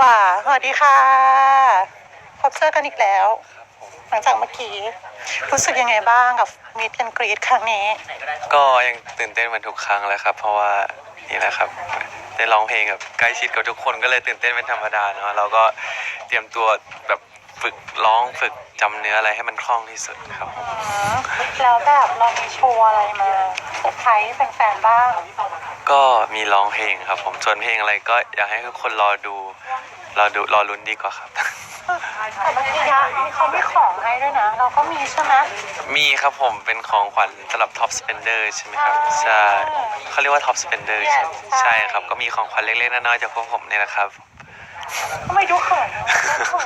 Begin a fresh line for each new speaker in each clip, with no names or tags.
ว่าสวัสดีค่ะพบเจอกันอีกแล้วหลังจากเมื่อกี้รู้สึกยังไงบ้างกับมีดแอนกรีดครั้งนี้
ก็ยังตื่นเต้นเหมือนทุกครั้งแล้วครับเพราะว่านี่แหละครับได้ร้องเพลงกับใกล้ชิดกับทุกคนก็เลยตื่นเต้นเป็นธรรมดาเนาะเราก็เตรียมตัวแบบฝึกร้องฝึกจำเนื้ออะไรให้มันคล่องที่สุดครับ
แล้วแบบเรามีโชว์อะไรมาเซอร์ไพรส์แฟนๆบ้าง
ก็มีร้องเพลงครับผมส่วนเพลงอะไรก็อยากให้ทุกคนรอลุ้นดีกว่าครับ
แต่เมื่อกี้เขามีของให้ด้วยนะเราก็มีใช่ไหม
มีครับผมเป็นของขวัญสำหรับ Top Spender ใช่ไหมครับใช่เขาเรียกว่า Top Spender ใช่ครับก็มีของขวัญเล็กๆน้อยๆจากพวกผมนี่แหละครับ
ทำไมดูเขินเนาะ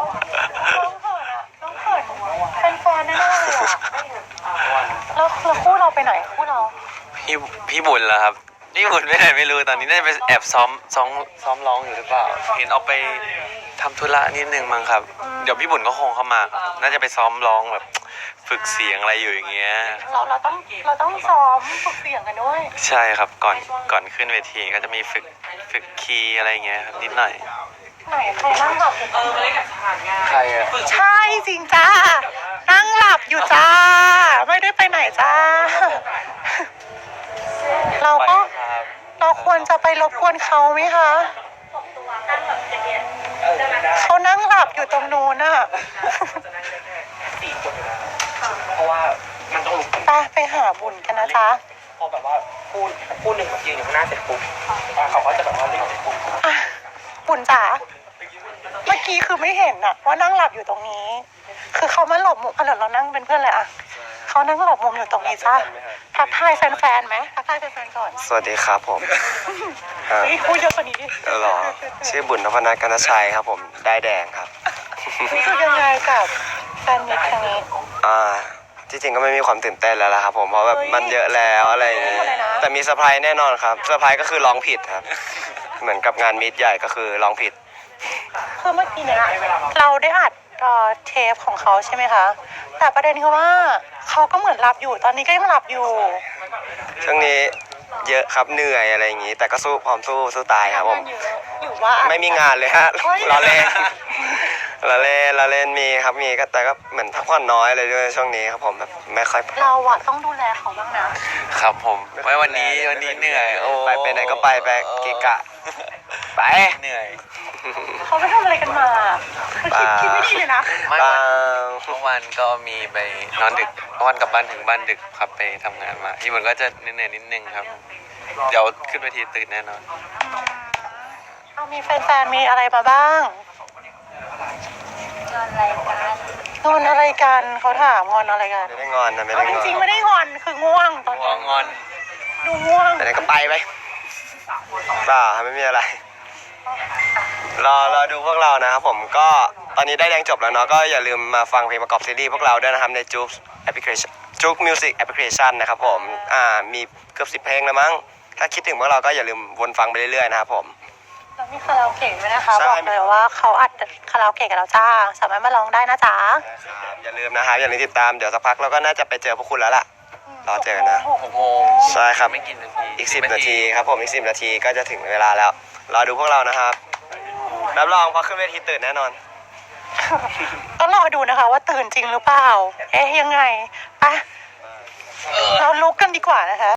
น้องเขินเป็นแฟนแน่ๆเลยอ่ะแล้วคู่เราไปไหนคู่เรา
พี่บุญเหรอครับพี่บุญไปไหนไม่รู้ตอนนี้น่าจะไปแอบซ้อมร้องอยู่หรือเปล่าเห็นออกไปทำธุระนิดนึงมั้งครับเดี๋ยวพี่บุญก็คงเข้ามาน่าจะไปซ้อมร้องแบบฝึกเสียงอะไรอยู่อย่างเงี้ย
เราต้องซ้อมฝึกเสียงกันด้วย
ใช่ครับก่อนขึ้นเวทีก็จะมีฝึกคีย์อะไรเงี้ยครับนิดหน่อย
ไหนใครนั่งหลับอยู่
ใครอะ
ใช่จริงจ้านั่งหลับอยู่จ้าไม่ได้ไปไหนจ้าเราควรจะไปรบกวนเขาไหมคะเขานั่งหลับอยู่ตรงนู้นน่ะ
เพราะว่ามันต้องลุก
ไปหาบุญกันนะจ๊ะ
พอแบบว่าพูดหนึ่งยืนอยู่ข้างหน้าเสร็จปุ๊บเขาก็จะแบบว่าเรียกเสร็จปุ๊บ
บุญจ๋าเมื่อกี้คือไม่เห็นอะว่านั่งหลับอยู่ตรงนี้คือเขามาหลบมุมเรานั่งเป็นเพื่อนเลยอะเขานั่งหลบมุมอยู่ตรงนี้จ้าทักทายแฟนๆไหมทักทายแฟนๆก่อน
สวัสดีครับผม
พูดเยอะกว่านี้ดิ
หรอชื่อบุญนพนัทกนชัยครับผมได้แดงครับ
รู้สึกยังไงกับแฟนมิตรครั้งนี้
ที่จริงก็ไม่มีความตื่นเต้นแล้วล่ะครับผมเพราะแบบมันเยอะแล้วอะไรอย่างนี้แต่มีเซอร์ไพรส์แน่นอนครับเซอร์ไพรส์ก็คือร้องผิดครับเหมือนกับงานมิตรใหญ่ก็คือร้องผิด
คือเมื่อกี้เนี่ยเราได้อัดเทปของเขาใช่ไหมคะแต่ประเด็นคือว่าเขาก็เหมือนหลับอยู่ตอนนี้ก็ยังหลับอยู่
ช่วงนี้เยอะครับเหนื่อยอะไรอย่างนี้แต่ก็พร้อมสู้ตายครับผมไม่มีงานเลยฮะเราเล่นมีครับมีก็แต่ก็เหมือนพักผ่อนน้อยเลยด้วยช่วงนี้ครับผมแบบไม่ค่อย
เราอะต้องดูแลเขาบ้างนะครับ
ผมไม่วันนี้เหนื่อยไปไหนก็ไปเกะกะไปเหนื่อย
เขาไปทำอะไรกันมาคิดไม่ดีเลยนะ
เมื่อวานก็มีไปนอนดึกวันกลับบ้านถึงบ้านดึกครับไปทำงานมาที่มันก็จะเหนื่อยนิดนึงครับเดี๋ยวขึ้นเวทีตื่นแน่นอน
มีแฟนๆมีอะไรมาบ้างงอนอะไรกันเขาถามงอนอะไรกัน
ไม่ได้งอนนะไม่ได้งอน
จริงๆไม่ได้งอนคือง่วงตอนนี้
งอน
ดูง่วง
แต่ไหนก็ไปไม่มีอะไรรอดูพวกเรานะครับผมก็ตอนนี้ได้แดงจบแล้วเนาะก็อย่าลืมมาฟังเพลงประกอบซีรีส์พวกเราด้วยนะครับในจุ๊กแอปพลิเคชันจุ๊กมิวสิกแอปพลิเคชันนะครับผมมีเกือบ10 เพลงแล้วมั้งถ้าคิดถึงพวกเราก็อย่าลืมวนฟังไปเรื่อยๆนะครับผม
เรามีคาราโอเกะด้วยนะคะบอกเลยว่าเขาอัดคาราโอเกะกับเราจ้าสามารถมาร้องได้นะจ๊ะ
อย่าลืมนะครับอย่าลืมติดตามเดี๋ยวสักพักเราก็น่าจะไปเจอพวกคุณแล้วล่ะรอเจอนะ
6 โมง
ใช่ครับไม่กี่นาทีอีก10 นาทีครับผมอีก10 นาทีก็จะถึงเวลาแล้วรอดูพวกเรานะครับรับรองพอขึ้นเวทีตื่นแน่นอน
ก็รอดูนะคะว่าตื่นจริงหรือเปล่ายังไงไปเราลุกกันดีกว่านะคะ